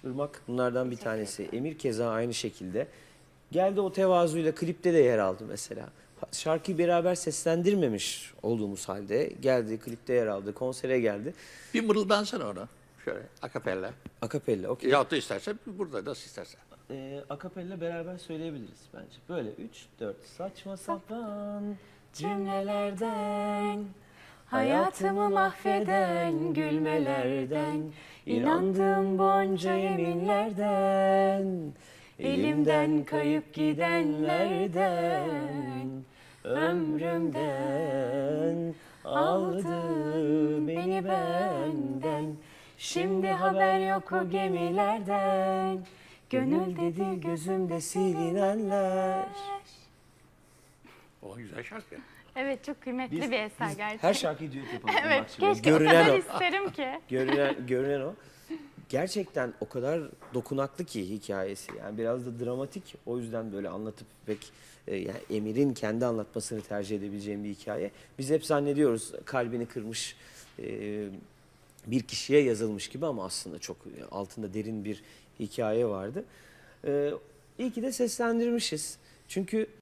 Irmak bunlardan bir tanesi. Emir keza aynı şekilde. Geldi o tevazuyla klipte de yer aldı mesela. Şarkıyı beraber seslendirmemiş olduğumuz halde geldi, klipte yer aldı, konsere geldi. Bir mırıldansana ona. Şöyle akapella. Akapella, okey. Yahut da istersen burada nasıl istersen. Akapella beraber söyleyebiliriz bence. Böyle 3, 4. Saçma sapan cümlelerden, hayatımı mahveden gülmelerden, inandığım bonca yeminlerden, elimden kayıp gidenlerden, ömrümden aldı beni benden. Şimdi haber yok o gemilerden, gönül dedi gözümde silinenler. O güzel şarkı. Evet, çok kıymetli bir eser gerçekten. Her şarkıyı düet yapalım. Evet, Irmak şimdi. keşke o kadar isterim ki. Görünen o. Gerçekten o kadar dokunaklı ki hikayesi. Yani biraz da dramatik. O yüzden böyle anlatıp pek yani Emir'in kendi anlatmasını tercih edebileceğim bir hikaye. Biz hep zannediyoruz kalbini kırmış bir kişiye yazılmış gibi ama aslında çok altında derin bir hikaye vardı. İyi ki de seslendirmişiz. Çünkü